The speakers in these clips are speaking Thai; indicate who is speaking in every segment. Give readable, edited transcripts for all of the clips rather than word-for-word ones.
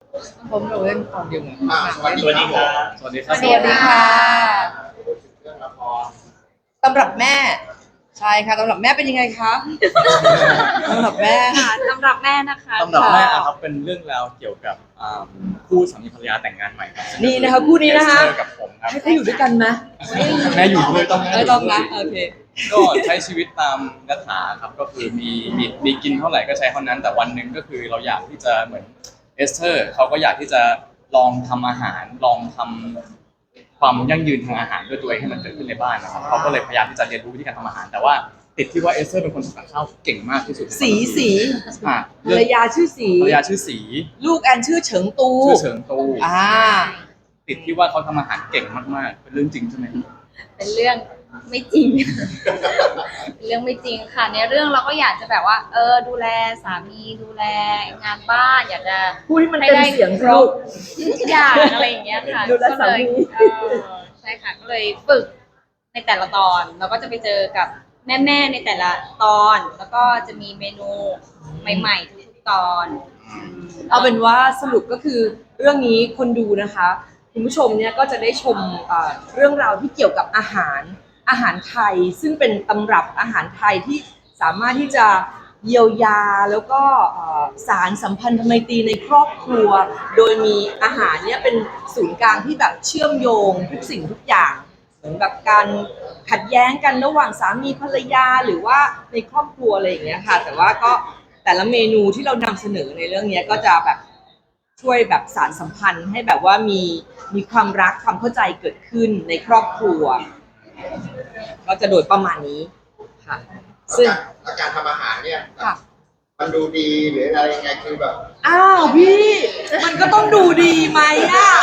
Speaker 1: ผมเราเล่นตอนเดียวกัน
Speaker 2: สวัสดีครับ
Speaker 3: สวัสดีครับ
Speaker 1: สวัสดีค่ะ
Speaker 2: เรื่องละคร
Speaker 1: ตำรับแม่ใช่ค่ะตำรับแม่เป็นยังไงคะตำรับแม่
Speaker 4: ค่ะสำหรับแม่นะคะ
Speaker 3: ตำรับแม่อะครับเป็นเรื่องราวเกี่ยวกับคู่สามีภรรยาแต่งงานใหม่ครับ
Speaker 1: นี่นะคะคู่นี้นะคะ
Speaker 3: เอสเตอร์กับผมครับ
Speaker 1: ให้เขาอยู่ด้วยกันไหม
Speaker 3: แม่อยู่ด้วยต้อง
Speaker 1: ต้องนะโอเค
Speaker 3: ก็ใช้ชีวิตตามยถาครับก็คือมีกินเท่าไหร่ก็ใช้เท่านั้น แต่วันหนึ่งก็คือเราอยากที่จะเหมือนเอสเตอร์เขาก็อยากที่จะลองทำอาหารลองทำความยั่งยืนทางอาหารด้วยตัวเองให้มันเกิดขึ้นในบ้านนะครับเขาก็เลยพยายามที่จะเรียนรู้วิธีการทำอาหาร แต่ว่าติดที่ว่าเอสเตอร์เป็นคนทำกับข้าวเก่งมากที่สุด
Speaker 1: สี
Speaker 3: อ่ะ
Speaker 1: ภรรยาชื่อสี
Speaker 3: ภรรยาชื่อสี
Speaker 1: ลูกแอนชื่อเฉิงตู
Speaker 3: ชื่อเฉิงตู ติดที่ว่าเขาทำอาหารเก่งมากๆเป็นเรื่องจริงใช่ไหม
Speaker 4: เป็นเรื่องไม่จริง เป็นเรื่องไม่จริงค่ะในเรื่องเราก็อยากจะแบบว่าดูแลสามีดูแลงานบ้านอยากจะ
Speaker 1: พูดให้มันเต็มเสียง
Speaker 4: ครบทุกอย่างอะไรอย่างเงี้ยค่ะ
Speaker 1: ดูแลสามี
Speaker 4: ใช่ค่ะก็เลยฝึกในแต่ละตอนเราก็จะไปเจอกับแม่ๆในแต่ละตอนแล้วก็จะมีเมนูใหม่ๆทุกๆตอน
Speaker 1: เอาเป็นว่าสรุปก็คือเรื่องนี้คนดูนะคะคุณผู้ชมเนี่ยก็จะได้ชมเรื่องราวที่เกี่ยวกับอาหารไทยซึ่งเป็นตำรับอาหารไทยที่สามารถที่จะเยียวยาแล้วก็สารสัมพันธไมตรีในครอบครัว โดยมีอาหารเนี่ยเป็นศูนย์กลางที่แบบเชื่อมโยงทุกสิ่งทุกอย่างเหมือนแบบการขัดแย้งกันระหว่างสามีภรรยาหรือว่าในครอบครัวอะไรอย่างเงี้ยค่ะแต่ว่าก็แต่ละเมนูที่เรานำเสนอในเรื่องนี้ก็จะแบบช่วยแบบสานสัมพันธ์ให้แบบว่ามีความรักความเข้าใจเกิดขึ้นในครอบครัวก็จะโดยประมาณนี้ค่ะซึ่ง
Speaker 2: แล้วการทำอาหารเนี่ย
Speaker 1: ค่ะ
Speaker 2: มันดูดีหรืออะไรยังไงคือแบบ
Speaker 1: อ้าวพี่มันก็ต้องดูดีไหมอ่ะ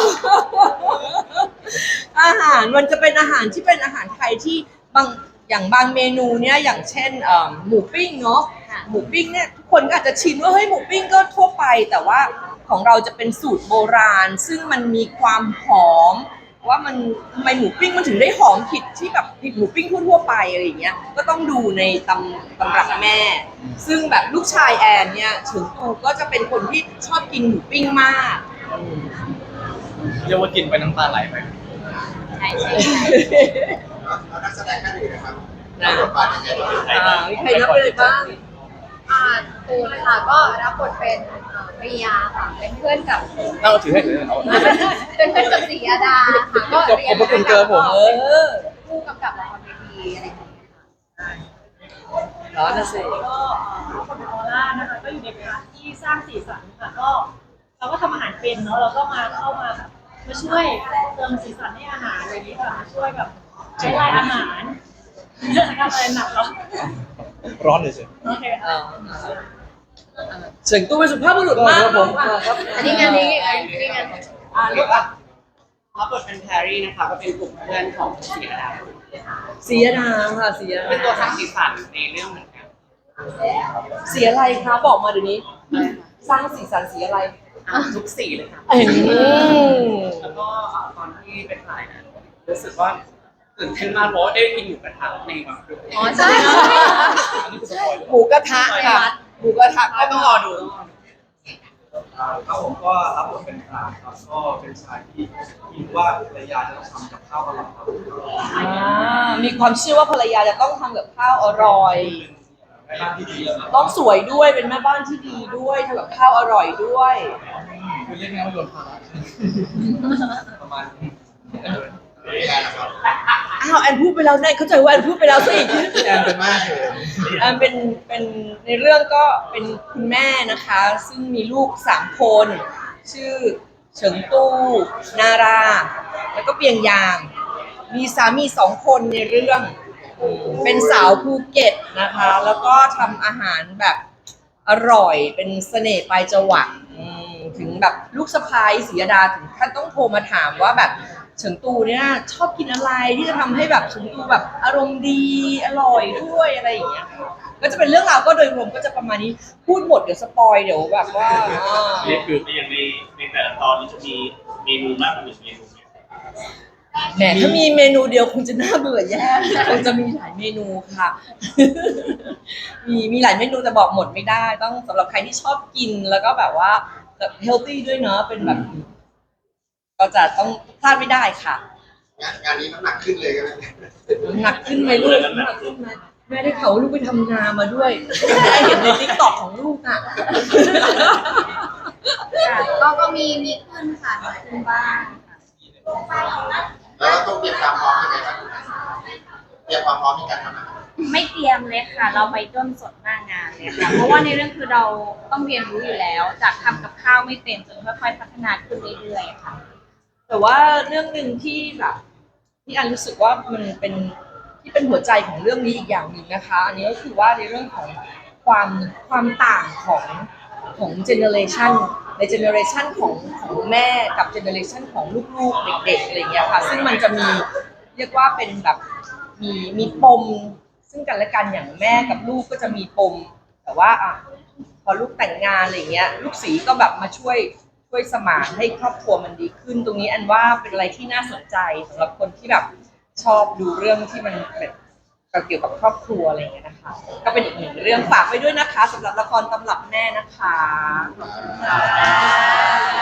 Speaker 1: อาหารมันจะเป็นอาหารที่เป็นอาหารไทยที่บางเมนูเนี่ยอย่างเช่นหมูปิ้งเนาะ
Speaker 4: ค่ะ
Speaker 1: หมูปิ้งเนี่ยทุกคนก็อาจจะชินว่าเฮ้ยหมูปิ้งก็ทั่วไปแต่ว่าของเราจะเป็นสูตรโบราณ ซึ่งมันมีความหอมว่ามันทำไมหมูปิ้งมันถึงได้หอมผิดที่แบบผิดหมูปิ้งทั่วๆไปอะไรอย่างเงี้ยก็ต้องดูในตำรับแม่ ซึ่งแบบลูกชายแอนเนี่ยถึงตูก็จะเป็นคนที่ชอบกินหมูปิ้งมากอืม
Speaker 3: เรียกว่ากินไปน้ำตาไหลไป
Speaker 4: ใช่
Speaker 2: แล้วนักแสดงท่านอื่นนะครับรับบทบาทยังไงบ้าง
Speaker 1: มีใครนับเลยบ้าง
Speaker 5: ตูนค่ะก็รับบทเป็นปริยาค่ะเป็นเพื่อนกับ
Speaker 3: เอาถือให้ถือให้เอา
Speaker 5: เป็นเพื่อนกับศรียดาค่ะก็เรียน
Speaker 3: ขอบคุณเกิร์ลผม
Speaker 5: ผู้กำกับละครเวทีอะไรอย่างเงี้ยค่ะ
Speaker 1: ร้อนนะสิ
Speaker 6: ก็คนโคราชนะคะก็อยู่ในพาร์ทที่สร้างสีสันค่ะก็เราก็ทำอาหารเป็นเนาะเราก็เข้ามาแบบมาช่วยเติมสีสันให้อาหารอะไรอย่างนี้ค่ะมาช่วยแบบใช้ลายอาหารเรื่องการอะไรหนักเนาะ
Speaker 3: ร้อนเลยสิ
Speaker 6: โอเคค่ะ
Speaker 1: เสียงตู้เป็นสุภาพบุรุษมากผมครับ
Speaker 5: อันนี้งานนี้งาน
Speaker 1: ลูกอ่ะ
Speaker 7: รับบทเป็นแพรรี่นะคะก็เป็นกลุ่มเพื่อนของศรีอดา
Speaker 1: สียดาค่ะสีย
Speaker 7: เป็นตัวสร้า
Speaker 1: ดาง
Speaker 7: สีสันในเรื่องเหมือนกัน
Speaker 1: สีอะไรคะบอกมาเดี๋ยวนี้ สร้างสีสันสีอะไร
Speaker 7: ทุกสีเลยค่ะ
Speaker 1: เอ้ย
Speaker 7: แล้วก็ตอนที่ไปถ่ายนะรู้สึกว่าตื่นเต้นมากเพราะว่าได้กินหมูกระทะในวันรุ่ง
Speaker 5: อ๋อใช่
Speaker 3: อันนี้คือสปอยล์
Speaker 1: หมูกระทะค่ะหมูกระทะก็
Speaker 7: ต้องรอดูต้องรอดู
Speaker 8: ครับผมก็รับบทเป็นปราบครับก็เป็นชายที่คิดว่าภรรยาจะต้องทำกับข้าวอร่อยครับ
Speaker 1: มีความเชื่อว่าภรรยาจะต้องทำกับข้าวอร่อย
Speaker 8: แม่บ้านที่ดีครับ
Speaker 1: ต้องสวยด้วยเป็นแม่บ้านที่ดีด้วยทำกับข้าวอร่อยด้วย
Speaker 3: คือเรียกง่ายว่าโยนภาระ
Speaker 8: ประมาณนี้
Speaker 2: พี่แอนนะครับ
Speaker 1: อ้าวแอนพูดไปแล้วเนี่ยเข้าใจว่าแอนพูดไปแล้วสิ
Speaker 2: พี่แอนเป็นมากเลย
Speaker 1: แอนเป็นในเรื่องก็เป็นคุณแม่นะคะ ซึ่งมีลูก3 คน ชื่อเฉิงตู้นารา แล้วก็เปียงยาง มีสามี2 คนในเรื่อง เป็นสาวภูเก็ตนะคะ แล้วก็ทำอาหารแบบอร่อยเป็นเสน่ห์ปลายจวักถึงแบบลูกสะพ้ายศรียดาถึงขั้นต้องโทรมาถามว่าแบบเฉิงตูเนี่ยชอบกินอะไรที่จะทำให้แบบเฉิงตูแบบอารมณ์ดีอร่อยด้วยอะไรอย่างเงี้ยก็จะเป็นเรื่องราวก็โดยรวมก็จะประมาณนี้พูดหมดเดี๋ยวสปอยเดี๋ยวแบบว่า
Speaker 3: นี่คือ
Speaker 9: อย่างในแต่ละตอนนี้จะมีเมนูมากกว่าหนึ่งเมนูไหม
Speaker 1: แหมถ้ามีเมนูเดียวคงจะน่าเบื่อแย่คงจะมีหลายเมนูค่ะ มีหลายเมนูแต่บอกหมดไม่ได้ต้องสำหรับใครที่ชอบกินแล้วก็แบบว่าเฮลตี้ด้วยเนาะเป็นแบบก็จะต้องพลาดไม่ได้ค่ะ
Speaker 2: งานนี้น้ำหนักขึ้นเลยกันไหม
Speaker 1: น้ำหนักขึ้นไหมลูกน้ำหนักขึ้นไหมแม่ได้ข่าวว่าลูกไปทำนามาด้วยแม่เห็นในติ๊กต็อกของลูกอ่ะ
Speaker 5: ก็มีขึ้นค่ะมีขึ้นบ้างค่ะ
Speaker 2: แล้วเราต้องเตรียมความพร้อมยังไงบ้างเตรียมความพร้อมในการทำอาหาร
Speaker 4: ไม่เตรียมเลยค่ะ เราไปต้นสดหน้างานเลยค่ะ เพราะว่าในเรื่องคือเราต้องเรียนรู้อยู่แล้ว จากทำกับข้าวไม่เป็นจนค่อยๆพัฒนาขึ้นเรื่อยๆค่ะ
Speaker 1: แต่ว่าเรื่องหนึ่งที่แบบที่อันรู้สึกว่ามันเป็นที่เป็นหัวใจของเรื่องนี้อีกอย่างหนึ่งนะคะ อันนี้ก็คือว่าในเรื่องของความต่างของเจเนอเรชันในเจเนอเรชันของแม่กับเจเนอเรชันของลูกๆเด็กๆอะไรอย่างเงี้ยค่ะซึ่งมันจะมีเรียกว่าเป็นแบบมีปมซึ่งกันและกันอย่างแม่กับลูกก็จะมีปมแต่ว่าพอลูกแต่งงานอะไรอย่างเงี้ยลูกสีก็แบบมาช่วยสมานให้ครอบครัวมันดีขึ้นตรงนี้อันว่าเป็นอะไรที่น่าสนใจสำหรับคนที่แบบชอบดูเรื่องที่มันแบบเกี่ยวกับครอบครัวอะไรอย่างเงี้ยนะคะก็เป็นอีกหนึ่งเรื่องฝากไว้ด้วยนะคะสำหรับละครตำรับแม่นะคะขอบคุณค่ะ